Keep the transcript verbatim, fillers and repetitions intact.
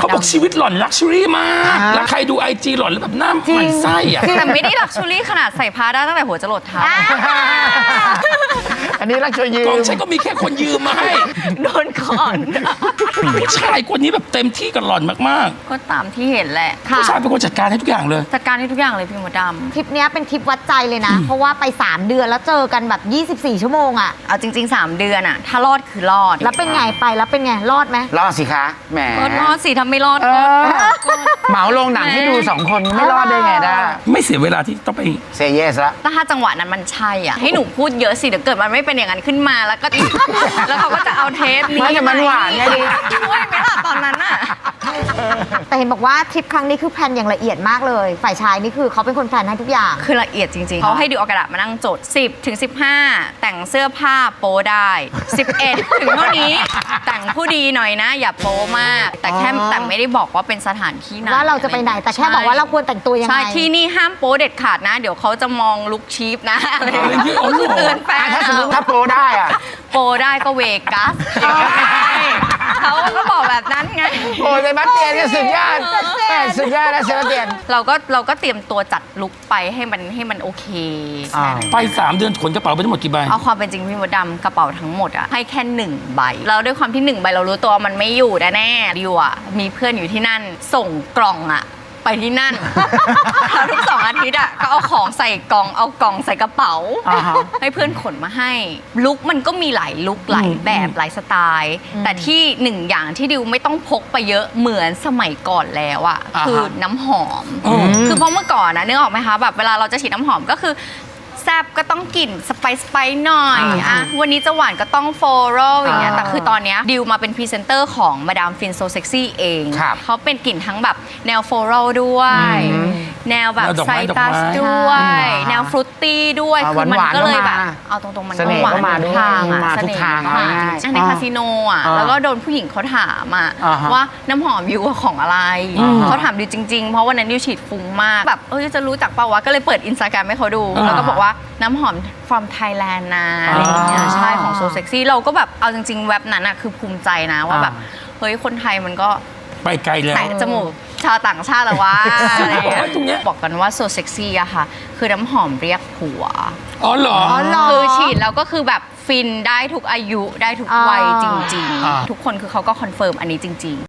บอกชีวิตหล่อนลักชัวรี่มากแล้วใครดูไอจีหล่อนแล้วแบบหน้าหมันไส้อะแต่ไม่ได้ลักชัวรี่ขนาดใส่ผ้าได้ตั้งแต่หัวจรดเท้าอันนี้รักช่วยยืมกองฉันก็มีแค่คนยืมมาให้โดนก่อนผู้ชายคนนี้แบบเต็มที่กับหล่อนมากๆก็ตามที่เห็นแหละผู้ชายเป็นคนจัดการให้ทุกอย่างเลยจัดการให้ทุกอย่างเลยพี่มดดำทริปนี้เป็นทริปวัดใจเลยนะเพราะว่าไปสามเดือนแล้วเจอกันแบบยี่สิบสี่ชั่วโมงอะเอาจริงๆสามเดือนอะถ้ารอดคือรอดแล้วเป็นไงไปแล้วเป็นไงรอดไหมรอดสิคะแหมก็รอดสิทำไม่รอดก็เหมาลงหนังให้ดูสองคนไม่รอดได้ไงได้ไม่เสียเวลาที่ต้องไปเซเยสละถ้าจังหวะนั้นมันใช่อ่ะให้หนูพูดเยอะสิเดี๋ยวเกิดมันไม่เป็นอย่างนั้นขึ้นมาแล้วก็แล้วเขาก็จะเอาเทปนี้ไม่แต่มันหวานไงดิช่วยไหมล่ะตอนนั้นน่ะแต่เห็นบอกว่าทริปครั้งนี้คือแพลนอย่างละเอียดมากเลยฝ่ายชายนี่คือเขาเป็นคนแพลนให้ทุกอย่างคือละเอียดจริงๆเขาให้ดูเอากระดาษมานั่งจดสิบถึงสิบห้าแต่งเสื้อผ้าโป๊ได้สิบเอ็ดถึงเท่านี้แต่งผู้ดีหน่อยนะอย่าโป๊มากแต่แค่แต่ไม่ได้บอกว่าเป็นสถานที่ไหนว่าเราจะไปไหนแต่แค่บอกว่าเราควรแต่งตัวยังไงใช่ที่นี่ห้ามโป๊เด็ดขาดนะเดี๋ยวเขาจะมองลุคชีพนะอะไรอย่างเงี้ยเตือนแฟนถ้าสมมติถ้าโปรได้อะโปรได้ก็เวกัสเขาก็บอกแบบนั้นไงโอ้เซบาสเตียนเนี่ยสุดยอดสุดยอดนะเซบาสเตียนเราก็เราก็เตรียมตัวจัดลุคไปให้มันให้มันโอเคไปสามเดือนขนกระเป๋าไปทั้งหมดกี่ใบเอาความเป็นจริงพี่มดดำกระเป๋าทั้งหมดอะให้แค่หนึ่งใบแล้วด้วยความที่หนึ่งใบเรารู้ตัวมันไม่อยู่แน่ๆดิวอะมีเพื่อนอยู่ที่นั่นส่งกล่องอะไปที่นั่นแล้วทุกสองอาทิตย์อ่ะก็เอาของใส่กล่องเอากล่องใส่กระเป๋าให้เพื่อนขนมาให้ลุคมันก็มีหลายลุคหลายแบบหลายสไตล์แต่ที่หนึ่งอย่างที่ดิวไม่ต้องพกไปเยอะเหมือนสมัยก่อนแล้วอ่ะคือน้ำหอมคือเพราะเมื่อก่อนนะนึกออกไหมคะแบบเวลาเราจะฉีดน้ำหอมก็คือแซบก็ต้องกลิ่นสไปซ์สไปซ์หน่อยอ่ะวันนี้จะหวานก็ต้องโฟโรลอย่างเงี้ยแต่คือตอนเนี้ยดิวมาเป็นพรีเซนเตอร์ของมาดามฟินโซเซ็กซี่เองเขาเป็นกลิ่นทั้งแบบแนวโฟโรลด้วยแนวแบบไซตัสด้วยแนวฟรุตตี้ด้วยคือมันก็เลยแบบเอาตรงๆมันก็หวานทุกทางอ่ะเสน่ห์มากในคาสิโนอ่ะแล้วก็โดนผู้หญิงเขาถามอ่ะว่าน้ำหอมดิวของอะไรเขาถามดิวจริงๆเพราะวันนั้นดิวฉีดฟุ้งมากแบบเออจะรู้จักเปล่าวะก็เลยเปิดอินสตาแกรมให้เขาดูแล้วก็บอกว่าน้ำหอม from Thailand นะอะไรอย่างเงี้ยใช่ของ So Sexy เราก็แบบเอาจริงๆเว็บนั้นอะคือภูมิใจนะว่าแบบเฮ้ยคนไทยมันก็ไปไกลแล้วแตะจมูกชาวต่างชาติแล้วว่าอะไรอย่างเงี้ยบอกกันว่า So Sexy อะค่ะคือน้ำหอมเรียกผัวอ๋อเหรอคือฉีดแล้วก็คือแบบฟินได้ทุกอายุได้ทุกวัยจริงๆทุกคนคือเขาก็คอนเฟิร์มอันนี้จริงๆ